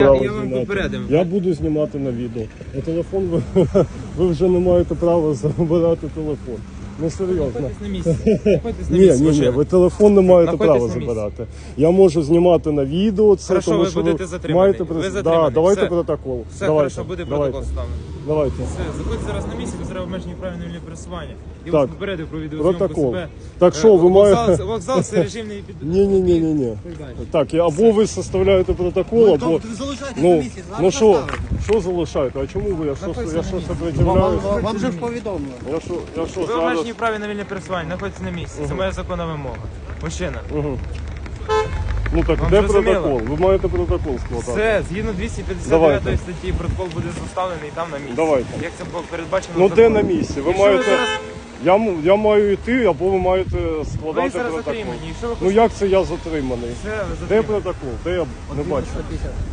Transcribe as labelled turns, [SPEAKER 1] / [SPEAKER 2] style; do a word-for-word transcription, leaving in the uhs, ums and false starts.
[SPEAKER 1] право
[SPEAKER 2] Я вам
[SPEAKER 1] знімати.
[SPEAKER 2] попередив.
[SPEAKER 1] Я буду знімати на відео. На телефон ви, ви вже не маєте права забирати телефон. Ну серйозно.
[SPEAKER 2] Знаходьтесь на місці. Знаходьтесь на
[SPEAKER 1] Ні,
[SPEAKER 2] місці,
[SPEAKER 1] ні, ні,
[SPEAKER 2] мужчина.
[SPEAKER 1] ви телефон не маєте
[SPEAKER 2] Знаходьтесь
[SPEAKER 1] права
[SPEAKER 2] на місці.
[SPEAKER 1] забирати. Я можу знімати на відео це,
[SPEAKER 2] Хорошо,
[SPEAKER 1] тому
[SPEAKER 2] ви
[SPEAKER 1] що
[SPEAKER 2] будете
[SPEAKER 1] ви
[SPEAKER 2] затримані.
[SPEAKER 1] маєте
[SPEAKER 2] Ви
[SPEAKER 1] прис-
[SPEAKER 2] затримані.
[SPEAKER 1] Да, давайте
[SPEAKER 2] Все.
[SPEAKER 1] протокол.
[SPEAKER 2] Все,
[SPEAKER 1] давайте,
[SPEAKER 2] хорошо, буде
[SPEAKER 1] давайте.
[SPEAKER 2] протокол ставлений.
[SPEAKER 1] Давайте.
[SPEAKER 2] Все, заходьте зараз на місці, зараз обмежені правильне вільне пересування. Я
[SPEAKER 1] Так.
[SPEAKER 2] вас попередив про відеозйомку
[SPEAKER 1] Протокол.
[SPEAKER 2] себе.
[SPEAKER 1] Так
[SPEAKER 2] Е,
[SPEAKER 1] що, ви
[SPEAKER 2] вокзал,
[SPEAKER 1] маєте-
[SPEAKER 2] Вокзал це режимний під...
[SPEAKER 1] Ні, ні, ні, ні, ні. Так, і або ви составляєте протокол, або
[SPEAKER 3] Ви залишаєтесь на
[SPEAKER 1] ну,
[SPEAKER 3] місці,
[SPEAKER 1] ну
[SPEAKER 3] зараз
[SPEAKER 1] що,
[SPEAKER 3] поставите.
[SPEAKER 1] що залишаєте? А чому ви? Я що,
[SPEAKER 2] Знаходьтеся
[SPEAKER 1] я
[SPEAKER 2] на
[SPEAKER 1] що
[SPEAKER 2] місці.
[SPEAKER 3] Вам,
[SPEAKER 1] сопротивляюсь?
[SPEAKER 3] вам, вам же ж повідомили.
[SPEAKER 1] Я що, я що
[SPEAKER 2] Ви
[SPEAKER 1] зараз?
[SPEAKER 2] обмежені праві на вільне пересування, знаходьтеся на місці. Це моя законна вимога. Мужчина.
[SPEAKER 1] Угу. Ну так,
[SPEAKER 2] Вам
[SPEAKER 1] де
[SPEAKER 2] зрозуміло?
[SPEAKER 1] протокол? Ви маєте протокол складати.
[SPEAKER 2] Все, згідно двісті п'ятдесят дев'ятої
[SPEAKER 1] Давайте.
[SPEAKER 2] статті, протокол буде составлений там на місці.
[SPEAKER 1] Давайте.
[SPEAKER 2] Як це було передбачено
[SPEAKER 1] Ну де
[SPEAKER 2] законом.
[SPEAKER 1] на місці? Ви
[SPEAKER 2] Якщо
[SPEAKER 1] маєте.
[SPEAKER 2] ви зараз,
[SPEAKER 1] Я, м- я маю йти, або ви маєте
[SPEAKER 2] ви
[SPEAKER 1] складати
[SPEAKER 2] зараз
[SPEAKER 1] протокол.
[SPEAKER 2] затримані. Якщо ви
[SPEAKER 1] Ну як це я затриманий?
[SPEAKER 2] Все, ви
[SPEAKER 1] Де
[SPEAKER 2] затримані.
[SPEAKER 1] протокол? Де я не бачу?
[SPEAKER 3] сто п'ятдесят.